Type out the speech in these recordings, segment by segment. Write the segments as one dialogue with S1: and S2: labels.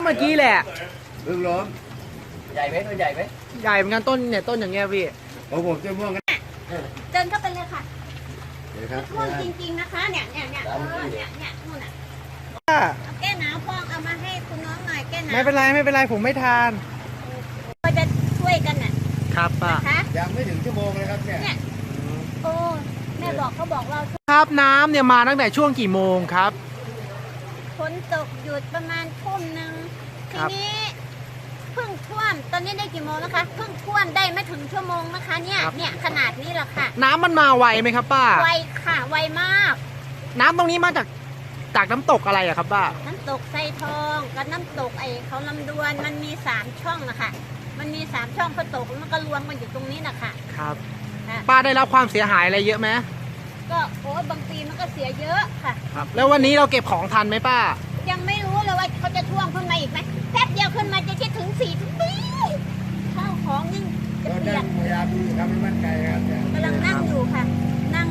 S1: มื่อกี้แหละ
S2: เพิ่งล้ม
S3: ใหญ่ไหมตัวใหญ่ไหม
S1: ใหญ่เหมือนกันต้นเนี่ยต้นอย่างเงี้ยพี่
S2: ผมจะม่วงกัน
S4: เดินเข้าไปเลยค่ะ
S2: ครับ
S4: ม่วงจริงๆนะคะเนี่ยนู่นน่ะแก้หนาวพองเอามาให้คุณน้องหน่อยแก้หนาว
S1: ไม่เป็นไรผมไม่ทาน
S4: ก็จะช่วยกันน่ะ
S1: ครับป้า
S2: ยังไม่ถึงชั่วโมงเลยครับเนี่ย
S4: โอ้แม่บอกเขาบอกเรา
S1: ครับน้ำเนี่ยมาตั้งแต่ช่วงกี่โมงครับ
S4: ฝนตกหยุดประมาณทุ่มนึงทีนี้เพิ่งท่วมตอนนี้ได้กี่โมงนะคะเพิ่งท่วมได้ไม่ถึงชั่วโมงนะคะเนี่ยขนาดนี้แหละค่ะ
S1: น้ำมันมาไวไหมครับป้า
S4: ไวค่ะไวมาก
S1: น้ำตรงนี้มาจากน้ำตกอะไรอะครับป้า
S4: น้ำตกไซทองกับน้ำตกเขาลำดวนมันมี3ช่องนะคะมันมี3ช่องพอตกแล้วมันก็รวมกันอยู่ตรงนี้นะคะ
S1: ครับป้าได้รับความเสียหายอะไรเยอะไหม
S4: ก็โอ้บางปีมันก็เสียเยอะค่ะ
S1: ครับแล้ววันนี้เราเก็บของทันไหมป้า
S4: ยังไม่รู้เลยว่าเขาจะท่วมขึ้นมาอีกไหมแป๊บเดียวขึ้นมาจะคิดถึง4 ถึงปีข้าวของยิ่งจะเปลี่ยน
S2: พยายามทำให้มั่นใจครับ
S4: กำลังนั่งอยู่ค่ะนั่ง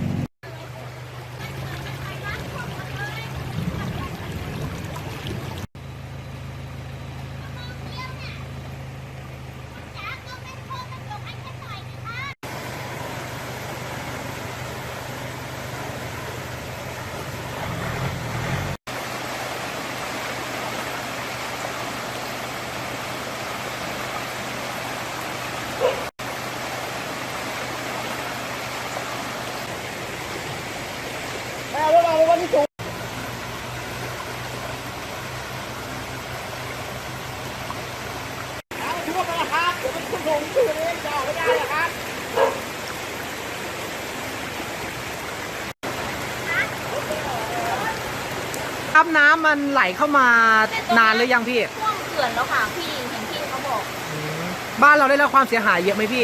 S1: วันนี้สูงถือว่าเป็นราคาเดี๋ยวมันขึ้นลงชื่อนี้จะออกไม่ได้นะครับครับน้ำมันไหลเข้ามานานหรือยังพี่
S4: ท่วมเขื่อนแล้วค่ะพี่เห็นพี่เขาบอก
S1: บ้านเราได้รับความเสียหายเยอะไหมพี่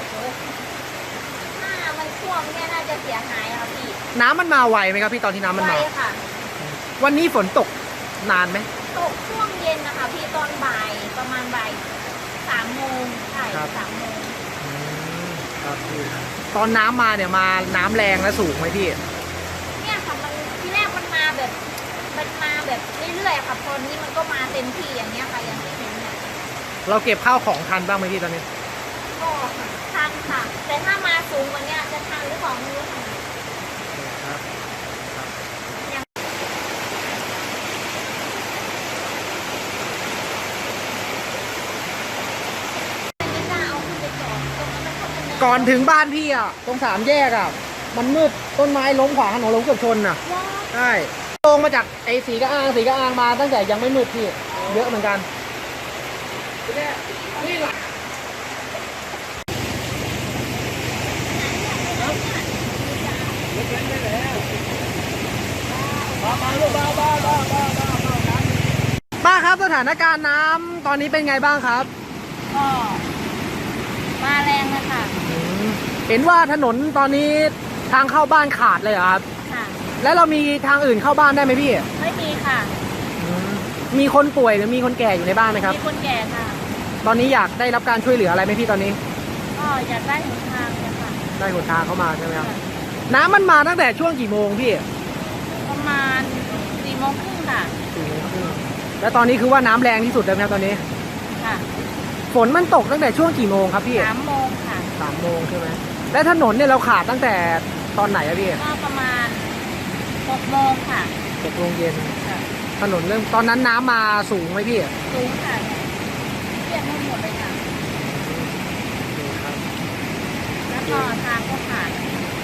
S4: ถ้ามันท่วมเนี่ยน่าจะเสียหายค่ะพี่
S1: น้ำมันมาไวไหมครับพี่ตอนที่น้ำมันมา
S4: ไวค่ะ
S1: วันนี้ฝนตกนานไหม
S4: ตกช่วงเย็นนะคะพี่ตอนบ่ายประมาณบ่าย3 โมงใช่3 โมง
S1: ครับพี่ตอนน้ำมาเนี่ยมาน้ำแรงและสูงไหมพี่
S4: เนี่ยค่ะมันที่แรกมันมาแบบเรื่อยๆค่ะตอนนี้มันก็มาเต็มที่อย่างเงี้ยค่ะอย่างที่เห็นเนี่ย
S1: เราเก็บข้าวของทันบ้างไหมพี่ตอนนี้
S4: ก็ทันค่ะแต่ถ้ามาสูงกว่านี้จะทันหรือเปล่าไม่รู้ค่ะ
S1: ครับก่อนถึงบ้านพี่อ่ะตรง3 แยกอ่ะมันมืดต้นไม้ล้มขวางถนนล้มเกือบชนอ่ะใช่ลงมาจากไอ้สีกระอ้างมาตั้งแต่ยังไม่มืดพี่เยอะเหมือนกันนี่หลักป้าครับสถานการณ์น้ำตอนนี้เป็นไงบ้างครับ
S4: ก็มาแรงเลยค่ะ
S1: เห็นว่าถนนตอนนี้ทางเข้าบ้านขาดเลยครับค่ะแล้วเรามีทางอื่นเข้าบ้านได้ไหมพี่
S4: ไม่มีค่ะ
S1: มีคนป่วยหรือมีคนแก่อยู่ในบ้านไหมครับ
S4: มีคนแก่ค่ะ
S1: ตอนนี้อยากได้รับการช่วยเหลืออะไรไหมพี่ตอนนี้
S4: ก็อยากได้หนทางเลยค่ะ
S1: ได้หนทางเข้ามาใช่ไหมครับน้ำมันมาตั้งแต่ช่วงกี่โมงพี่
S4: ประมาณ4 โมงครึ่งค่ะ
S1: 4 โมงครึ่งแล้วตอนนี้คือว่าน้ำแรงที่สุดเลยครับตอนนี้
S4: ค่ะ
S1: ฝนมันตกตั้งแต่ช่วงกี่โมงครับพี่
S4: 3 โมงค่ะ
S1: 3 โมงใช่ไหมและถนนเนี่ยเราขาดตั้งแต่ตอนไหนอะพี่
S4: ก็ประมาณ6 โมงค่ะ
S1: 6 โมงเย็นถนนเริ่มตอนนั้นน้ำมาสูงไหมพี่
S4: สูงค่ะเปียกหมดเลยค่ะแล้วก็ทางก็ขาด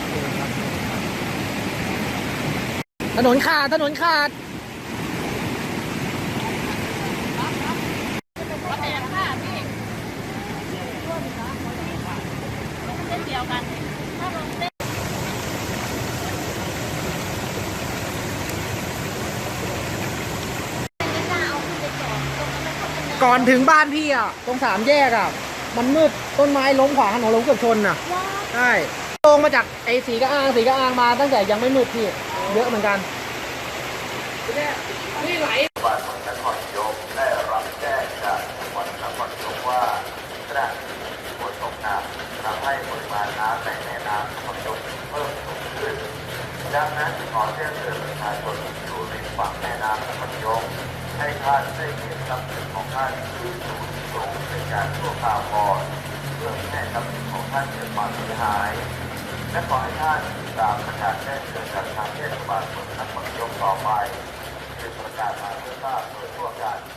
S1: ถนนขาดก่อนถึงบ้านพี่อ่ะตรง3 แยกอ่ะมันมืดต้นไม้ล้มขวางถนนล้มเกือบชนอ่ะใช่ลงมาจากไอ้สีกระอ้างมาตั้งแต่ยังไม่มืดพี่เยอะเหมือนกันนี่ไหลจังหวัดนครนายกได้รับแจ้งจากจังหวัดนครนายกว่าขณะนี้ฝนตกหนักทำให้ปริมาณน้ำในแม่น้ำนครนายกเพิ่มสูงขึ้นดังนั้นขอแจ้งเตือนประชาชนที่อยู่ริมฝั่งแม่น้ำนครนายก
S5: ให้ท่านได้เก็บทรัพย์สินของท่านที่สูงส่งเป็นการชั่วคราวก่อนเพื่อไม่ให้ทรัพย์สินของท่านเกิดความเสียหาย และขอให้ท่านตามประกาศแจ้งเกิดจากทางเทศบาลเมืองนครนายกต่อไปเป็นประกาศมาเพื่อทราบโดยทั่วกัน